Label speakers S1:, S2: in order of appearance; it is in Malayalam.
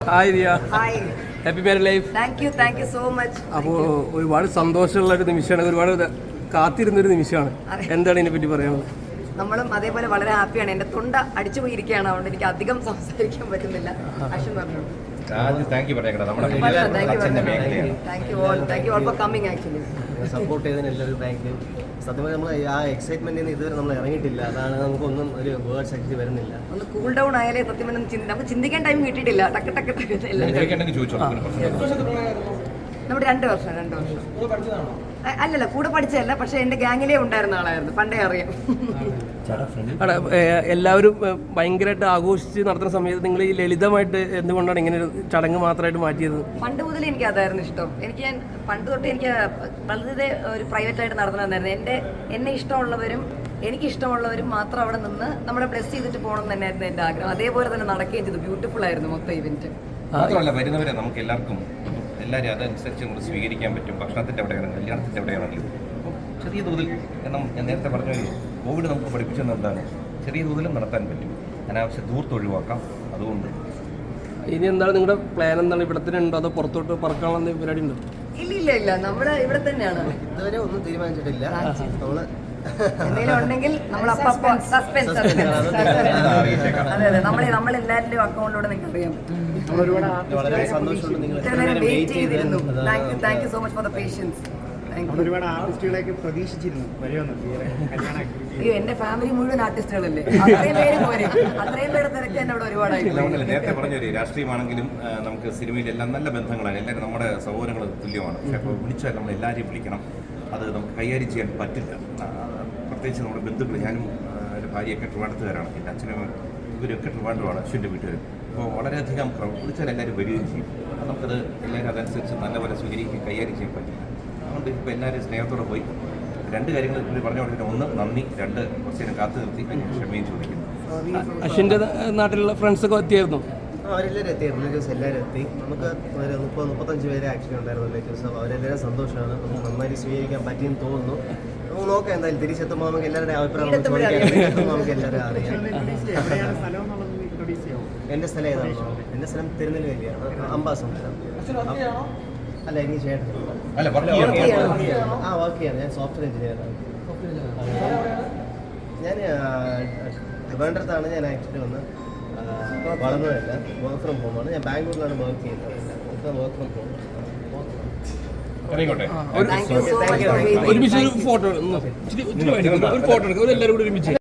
S1: Hi Diya.
S2: Hi.
S1: Happy married life.
S2: Thank you so much.
S1: അപ്പോൾ ഒരുപാട് സന്തോഷമുള്ള ഒരു നിമിഷമാണ്, ഒരുപാട് കാത്തിരുന്നൊരു നിമിഷമാണ്. എന്താണ് ഇതിനെപ്പറ്റി പറയാനുള്ളത്?
S2: നമ്മളും അതേപോലെ വളരെ ഹാപ്പിയാണ്. എൻ്റെ തൊണ്ട അടിച്ചു പോയിരിക്കുകയാണ്, അതുകൊണ്ട് എനിക്ക് അധികം സംസാരിക്കാൻ പറ്റുന്നില്ല. അശ്വിൻ പറഞ്ഞു.
S3: സപ്പോർട്ട് ചെയ്തതിന് എല്ലാവരും താങ്ക് യു. സത്യമായി നമ്മൾ ആ എക്സൈറ്റ്മെന്റിൽ നിന്ന് ഇതുവരെ നമ്മൾ ഇറങ്ങിയിട്ടില്ല. അതാണ് നമുക്കൊന്നും ഒരു വേർഡ്സ് ആക്ച്വലി വരുന്നില്ല.
S2: ഒന്ന് കൂൾ ഡൗൺ ആയാലേ സത്യം നമുക്ക് ചിന്തിക്കാൻ ടൈം കിട്ടിയിട്ടില്ല. ടക്ക് ടക്ക് ടക്ക് നമ്മുടെ 2 വർഷം അല്ലല്ല, കൂടെ പഠിച്ചതല്ല, പക്ഷെ എന്റെ ഗാങ്ങിലേ ഉണ്ടായിരുന്ന ആളായിരുന്നു, പണ്ടേ അറിയാം.
S1: എല്ലാവരും ഭയങ്കരമായിട്ട് ആഘോഷിച്ച് നടത്തുന്ന സമയത്ത് നിങ്ങൾ ഈ ലളിതമായിട്ട് എന്തുകൊണ്ടാണ് ഇങ്ങനെ ഒരു ചടങ്ങ് മാത്രമായിട്ട് മാറ്റിയത്?
S2: പണ്ട് മുതലേ എനിക്ക് അതായിരുന്നു ഇഷ്ടം. ഞാൻ പണ്ട് തൊട്ട് എനിക്ക് വളരെ ഒരു പ്രൈവറ്റായിട്ട് നടത്തണമെന്നായിരുന്നു. എന്നെ ഇഷ്ടമുള്ളവരും എനിക്ക് ഇഷ്ടമുള്ളവരും മാത്രം അവിടെ നിന്ന് നമ്മളെ ബ്ലെസ് ചെയ്തിട്ട് പോകണം തന്നെയായിരുന്നു എൻ്റെ ആഗ്രഹം. അതേപോലെ തന്നെ നടക്കുകയും ചെയ്തു. ബ്യൂട്ടിഫുൾ ആയിരുന്നു മൊത്തം ഇവന്റ്.
S4: മാത്രമല്ല, വരുന്നവരെ നമുക്ക് എല്ലാവർക്കും എല്ലാവരും അതനുസരിച്ച് നമുക്ക് സ്വീകരിക്കാൻ പറ്റും. ഭക്ഷണത്തിൻ്റെ എവിടെയാണെങ്കിലും കല്യാണത്തിൻ്റെ എവിടെയാണെങ്കിലും അപ്പോൾ ചെറിയ തോതിൽ, കാരണം ഞാൻ നേരത്തെ പറഞ്ഞല്ലോ, കോവിഡ് നമുക്ക് പഠിപ്പിച്ചത് എന്താണ്, ചെറിയ തോതിലും നടത്താൻ പറ്റും. അനാവശ്യ ദൂരത്ത് ഒഴിവാക്കാം. അതുകൊണ്ട്
S1: ഇനി എന്താണ് നിങ്ങളുടെ പ്ലാൻ? എന്താണ്, ഇവിടെ തന്നെ ഉണ്ടോ അതോ പുറത്തോട്ട് പറക്കാനുള്ള പരിപാടി ഉണ്ടോ?
S2: ഇല്ല, നമ്മുടെ ഇവിടെ തന്നെയാണ്.
S3: ഇതുവരെ ഒന്നും തീരുമാനിച്ചിട്ടില്ല. നമ്മള്
S2: എന്തെങ്കിലും ഉണ്ടെങ്കിൽ നമ്മൾ സസ്പെൻസ്. അതെ, നമ്മളെല്ലാവരുടെയും അക്കൗണ്ടിലൂടെ നിങ്ങൾക്ക് അറിയാം.
S3: വളരെ സന്തോഷമുണ്ട് നിങ്ങൾ
S2: വെയിറ്റ് ചെയ്തിരുന്നു. Thank you so much for the patience.
S5: ഒരുപാട് ആർട്ടിസ്റ്റുകളെയൊക്കെ പ്രതീക്ഷിച്ചിരുന്നു
S2: അയ്യോ, എന്റെ ഫാമിലി മുഴുവൻ ആർട്ടിസ്റ്റുകളല്ലേ, അത്രയും പേര് പോരെ, അത്രയും പേര് തിരക്കാൻ അവിടെ ഒരുപാടായിട്ട്.
S4: നേരത്തെ പറഞ്ഞൊരു രാഷ്ട്രീയമാണെങ്കിലും നമുക്ക് സിനിമയിലെല്ലാം നല്ല ബന്ധങ്ങളാണ്. എല്ലാവരും നമ്മുടെ സഹോദരങ്ങൾ തുല്യമാണ്. പക്ഷെ അപ്പോൾ വിളിച്ചാൽ നമ്മൾ എല്ലാവരെയും വിളിക്കണം. അത് നമുക്ക് കൈകാര്യം ചെയ്യാൻ പറ്റില്ല. പ്രത്യേകിച്ച് നമ്മുടെ ബന്ധുക്കൾ, ഞാനും എൻ്റെ ഭാര്യയൊക്കെ ട്രിവാൻഡ്രത്തുകാരാണ്. എൻ്റെ അച്ഛനും ഇവരൊക്കെ ട്രിവാൻഡ്രമാണ്, അശ്വിൻ്റെ വീട്ടുകാരും. അപ്പോൾ വളരെയധികം വിളിച്ചാൽ എല്ലാവരും വരികയും ചെയ്യും. അത് നമുക്കത് എല്ലാവരും അതനുസരിച്ച് നല്ലപോലെ സ്വീകരിക്കുകയും കൈകാര്യം ചെയ്യാൻ പറ്റില്ല. അതുകൊണ്ട് ഇപ്പോൾ എല്ലാവരും സ്നേഹത്തോടെ പോയി 2 കാര്യങ്ങൾ പുള്ളി പറഞ്ഞു കൊടുത്തിട്ട്, 1 നന്ദി, 2 കുറച്ച് നേരം കാത്തു നിർത്തി ക്ഷമയും ചോദിക്കുന്നു.
S1: അശ്വിൻ്റെ നാട്ടിലുള്ള ഫ്രണ്ട്സൊക്കെ എത്തിയായിരുന്നു?
S3: അവരെല്ലാവരും എത്തി. റിലേറ്റീവ്സ് എല്ലാവരും എത്തി. നമുക്ക് ഒരു 30-35 പേരെ ആക്ച്വലി ഉണ്ടായിരുന്നു റിലേറ്റീവ്സ്. അപ്പോൾ അവരെല്ലാവരും സന്തോഷമാണ്. നമുക്ക് നന്നായി സ്വീകരിക്കാൻ പറ്റിയെന്ന് തോന്നുന്നു. നമുക്ക് നോക്കാം, എന്തായാലും തിരിച്ചെത്തുമ്പോൾ നമുക്ക് എല്ലാവരുടെ അഭിപ്രായം നമുക്ക് എല്ലാവരും അറിയാം. എൻ്റെ സ്ഥലം ഏതാണോ? എൻ്റെ സ്ഥലം തിരുനെല്വേലിയാണ്, അംബാസമുദ്രം. അല്ല, എനിക്ക് ചേട്ടൻ വർക്ക് ചെയ്യാണ്. ഞാൻ സോഫ്റ്റ്വെയർ എഞ്ചിനീയറാണ്. ഞാൻ ട്രിവാൻഡ്രത്താണ് ഞാൻ ആക്ച്വലി വന്ന് വളർന്നതല്ല. വർക്ക് ഫ്രം ഹോമാണ്. ഞാൻ ബാംഗ്ലൂരിലാണ് വർക്ക് ചെയ്യുന്നത്. Work from home.
S1: ഒരുമിച്ച് ഒരു ഫോട്ടോ എടുക്കും, എല്ലാവരും കൂടി ഒരുമിച്ച്.